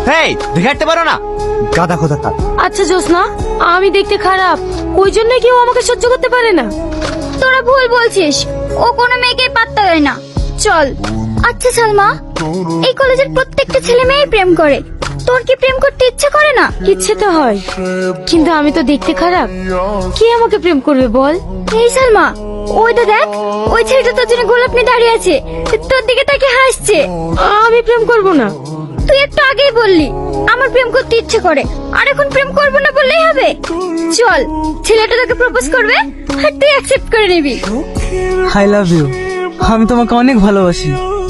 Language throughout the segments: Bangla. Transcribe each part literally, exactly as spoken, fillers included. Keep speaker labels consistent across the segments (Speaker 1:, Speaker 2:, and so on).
Speaker 1: হেই, দেখে হাঁটতে পারো না? গাদা খোদা কার।
Speaker 2: আচ্ছা জোসনা, আমি দেখতে খারাপ, ওই জন্য কেউ আমাকে সহ্য করতে পারে না।
Speaker 3: তোরা ভুল বলছিস, ও কোনো মেয়েকে পাত্তা দেয় না। চল। আচ্ছা সালমা, এই কলেজের প্রত্যেকটা ছেলে মেয়ে প্রেম করে, তোর কি প্রেম করতে ইচ্ছে করে না?
Speaker 2: ইচ্ছে তো হয়, কিন্তু আমি তো দেখতে খারাপ, কে আমাকে প্রেম করবে বল?
Speaker 3: এই সালমা, ওইটা দেখ, ওই ছেলেটা তোর জন্য গোলাপ নিয়ে দাঁড়িয়ে আছে, তোর দিকে তাকে হাসছে।
Speaker 2: আমি প্রেম করব না।
Speaker 3: তুই একটু আগেই বললি আমার প্রেম করতে ইচ্ছে করে, আর এখন প্রেম করবো না বললেই হবে? চল, ছেলেটা তোকে প্রপোজ করবে আর তুই অ্যাকসেপ্ট করে নিবি।
Speaker 4: আই লাভ ইউ, আমি তোমাকে অনেক ভালোবাসি।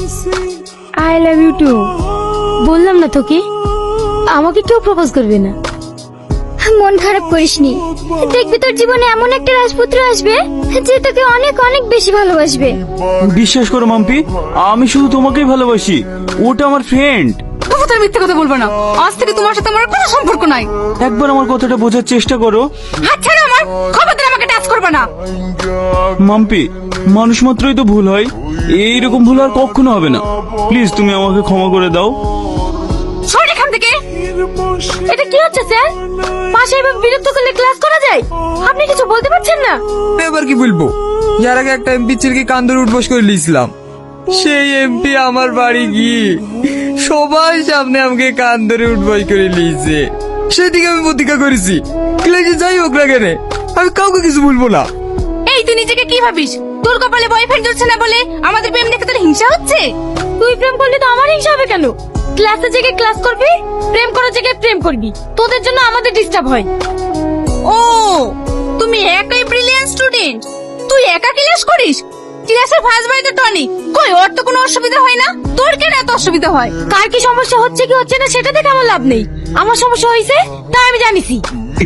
Speaker 2: I love you too. বললাম না তোকে, আমাকে কেউ প্রপোজ করবে না।
Speaker 3: মন খারাপ করিসনি, দেখবি তোর জীবনে এমন একটা রাজপুত্র আসবে যে তোকে অনেক অনেক বেশি ভালোবাসবে।
Speaker 4: বিশ্বাস করো মাম্পি, আমি শুধু তোমাকেই ভালোবাসি, ওটা আমার ফ্রেন্ড।
Speaker 5: তার মিথ্যে কথা বলবে না, আজ থেকে তোমার সাথে আমার কোনো সম্পর্ক নাই।
Speaker 4: একবার আমার কথাটা বোঝার চেষ্টা করো।
Speaker 5: হাত ছাড়ো আমার, খবরদার আমাকে টাচ করবে না।
Speaker 4: মাম্পি, মানুষ মাত্রই তো ভুল হয়, এইরকম ভুল আর কখনো হবে না। প্লিজ তুমি আমাকে ক্ষমা করে দাও।
Speaker 5: সর এখান থেকে।
Speaker 2: এটা কি হচ্ছে স্যার? পাশে এভাবে বিরক্ত করলে ক্লাস করা যায়? আপনি কিছু বলতে পারছেন না?
Speaker 6: এবার কি বলবো, যার আগে একটা এমপি ছেলেকে কান্দরে উঠবস করে নিয়েছিলাম, সেই এমপি আমার বাড়ি গিয়ে সবার সামনে আমাকে কান্দরে উঠবস করে নিয়েছে। সেদিকে আমি প্রতিজ্ঞা করেছি, ক্লাসে যাই হোক না কেন আমি কাউকে কিছু বলবো না।
Speaker 5: এই তুই নিজেকে কি ভাবিস? তোর কপালে বয়ফ্রেন্ড চলছে না বলে আমাদের প্রেম দেখে তোর হিংসা হচ্ছে?
Speaker 2: তুই প্রেম করলে তো আমার হিংসা হবে কেন? ক্লাসে জেগে ক্লাস করবি, প্রেম করার জায়গায় প্রেম করবি, তোদের জন্য আমাদের ডিস্টার্ব হয়।
Speaker 5: ও, তুমি একাই ব্রিলিয়ান্ট স্টুডেন্ট, তুই একা ক্লাস করিস? ক্লাসের ফার্স্ট বয় তো টনি, কই ওর তো কোনো অসুবিধা হয় না, তোর কেন এত অসুবিধা হয়?
Speaker 2: কার কি সমস্যা হচ্ছে কি হচ্ছে না সেটা দেখে আমার লাভ নেই, আমার সমস্যা হয়েছে তাই আমি জানিছি।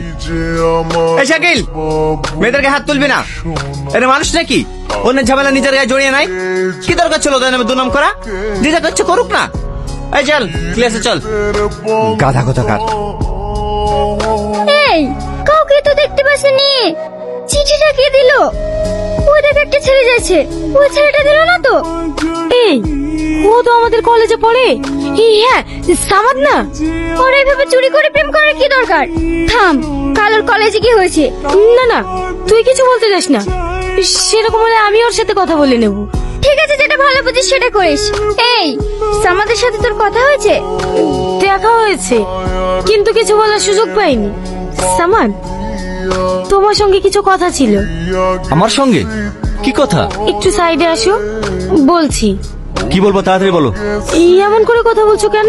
Speaker 1: এই শাকিল, মেয়েদেরকে হাত তুলবি না, এটা মানুষ নাকি? অন্যের ঝামেলা নিজের গায়ে জড়িয়ে নাই। কি দরকার ছিল ওদের নামে দুনাম করা? নিজে করছে করুক না। এই চল ক্লাসে চল। গাধা কোথাকার।
Speaker 3: এই, কাউকে তো দেখতে পাসনি, চিঠিটা কে দিল? ওই দেখ একটা ছেলে যাচ্ছে, ওই ছেলেটা দিল না তো?
Speaker 2: এই, ও তো আমাদের কলেজে পড়ে। এই হ্যাঁ, সামাদ না?
Speaker 3: ওরা এভাবে চুরি করে প্রেম করার কি দরকার? থাম, কাল ওর কলেজে কি হয়েছে?
Speaker 2: না না, তুই কিছু বলতে যাস না, সেরকম হলে আমি ওর সাথে কথা বলে নেব।
Speaker 3: ঠিক আছে, যেটা ভালো বুঝিস সেটা করিস। এই, সামাদের সাথে তোর কথা হয়েছে?
Speaker 2: দেখা হয়েছে, কিন্তু কিছু বলার সুযোগ পাইনি। সামান, তোমার সঙ্গে কিছু কথা ছিল।
Speaker 1: আমার সঙ্গে কি কথা?
Speaker 2: একটু সাইডে আসো, বলছি।
Speaker 1: কি বলবো তাড়াতাড়ি বলো।
Speaker 2: এই এমন করে কথা বলছো কেন?